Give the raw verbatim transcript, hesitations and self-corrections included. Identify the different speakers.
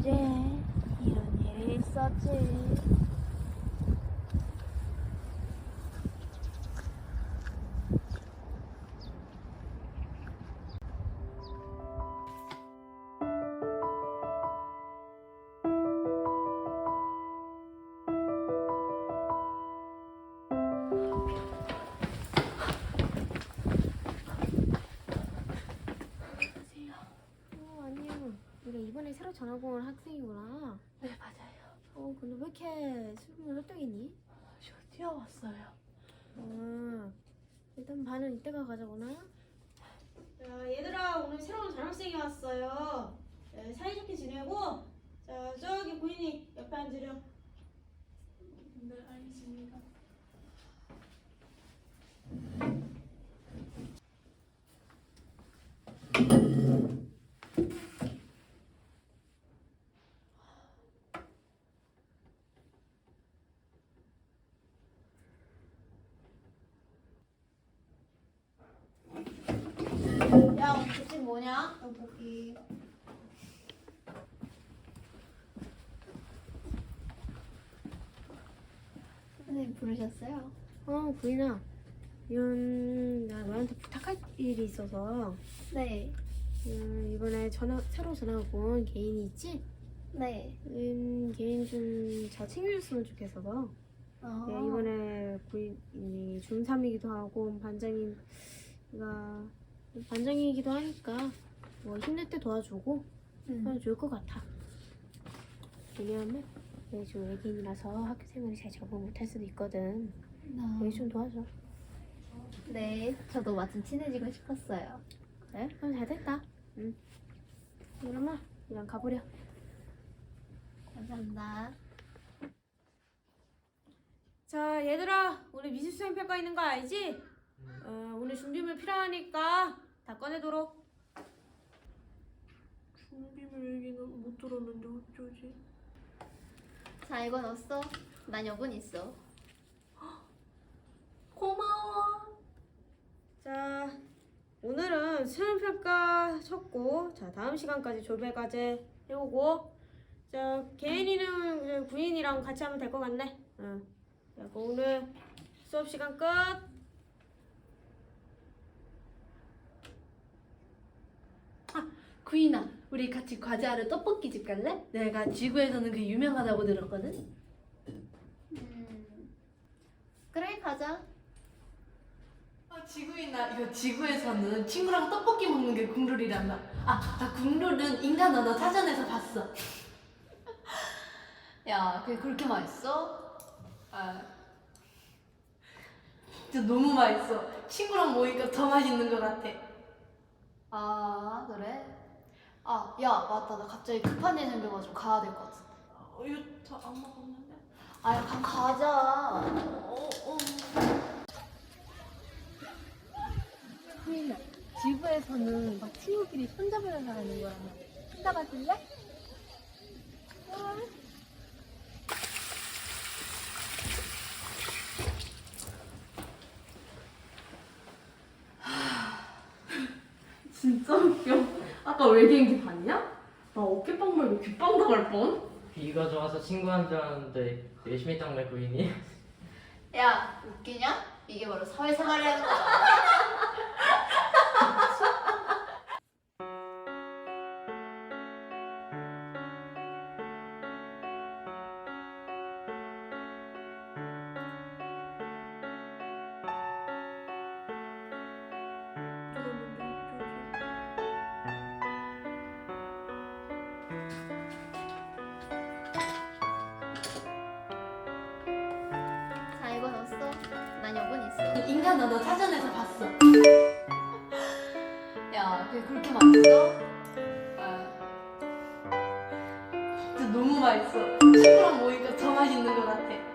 Speaker 1: 이제 이런 일이 있었지. 어, 아니요. 네가 이번에 새로 전학 온 학생이구나.
Speaker 2: 네, 맞아요.
Speaker 1: 어, 근데 왜 이렇게 수능을 헐떡이니?
Speaker 2: 저 뛰어왔어요.
Speaker 1: 어, 일단 반은 이따가 가자구나. 자, 얘들아, 오늘 새로운 전학생이 왔어요. 네, 사이좋게 지내고, 자, 저기 고인이 옆에 앉으렴.
Speaker 2: 네, 알겠습니다.
Speaker 1: 야, 오늘 급식 뭐냐? 떡볶이.
Speaker 3: 선생님 부르셨어요?
Speaker 1: 어, 구인아. 이건 나 너한테 부탁할 일이 있어서
Speaker 3: 네.
Speaker 1: 음, 이번에 전화, 새로 전학 온 개인이 있지?
Speaker 3: 네.
Speaker 1: 음, 개인 좀 잘 챙겨줬으면 좋겠어서
Speaker 3: 어.
Speaker 1: 예, 이번에 구인이 중삼이기도 하고 반장이가 반장이기도 하니까 뭐 힘들 때 도와주고
Speaker 3: 음.
Speaker 1: 하면 좋을 것 같아. 왜냐하면 얘 좀 외계인이라서 학교 생활이 잘 적응 못할 수도 있거든.
Speaker 3: 어.
Speaker 1: 얘 좀 도와줘.
Speaker 3: 네. 저도 마침 친해지고 싶었어요.
Speaker 1: 그래? 그럼 잘 됐다. 응. 그러면 그냥 가보려.
Speaker 3: 감사합니다.
Speaker 1: 자, 얘들아, 우리 미술수행 평가 있는 거 알지? 어, 오늘 준비물 필요하니까 다 꺼내도록.
Speaker 2: 준비물 얘기는 못 들었는데 어쩌지?
Speaker 3: 자, 이거 넣었어. 난 여분 있어.
Speaker 2: 고마워.
Speaker 1: 자, 오늘은 수행 평가 쳤고, 자, 다음 시간까지 조별 과제 해오고, 자, 개인이는 이제 구인이랑 같이 하면 될 것 같네. 응. 자, 그럼 오늘 수업 시간 끝.
Speaker 2: 구인아, 우리 같이 과제하러 떡볶이 집 갈래? 내가 지구에서는 그 유명하다고 들었거든.
Speaker 3: 음. 그래, 가자.
Speaker 2: 아, 지구인아, 이거 지구에서는 친구랑 떡볶이 먹는 게 국룰이란다. 아, 나 국룰은 인간 언어 사전에서 봤어.
Speaker 3: 야, 그게 그렇게 맛있어?
Speaker 2: 아, 진짜 너무 맛있어. 친구랑 먹으니까 더 맛있는 것 같아.
Speaker 3: 아, 그래? 아, 야, 맞다. 나 갑자기 급한 일 생겨가지고 가야 될 것 같은데.
Speaker 2: 어, 이거 다 안 먹었는데?
Speaker 3: 아, 야, 가, 가자.
Speaker 2: 어, 어.
Speaker 3: 후이나, 지구에서는 막 친구끼리 손잡으면서 하는 거야. 손잡아줄래?
Speaker 2: 진짜 웃겨. 아까 외계인기 봤냐? 나 어깨빵 말고 귓빵 당할 뻔.
Speaker 4: 비가 좋아서 친구한 줄 알았는데 열심히 닦네 구인이.
Speaker 3: 야, 웃기냐? 이게 바로 사회생활이라는 거야. 자, 이거 넣었어. 난 여분 있어.
Speaker 2: 인간 언어 사전에서 봤어.
Speaker 3: 야, 그게 그렇게 맛있어?
Speaker 2: 아, 진짜 너무 맛있어. 친구랑 먹으니까 더 맛있는 것 같아.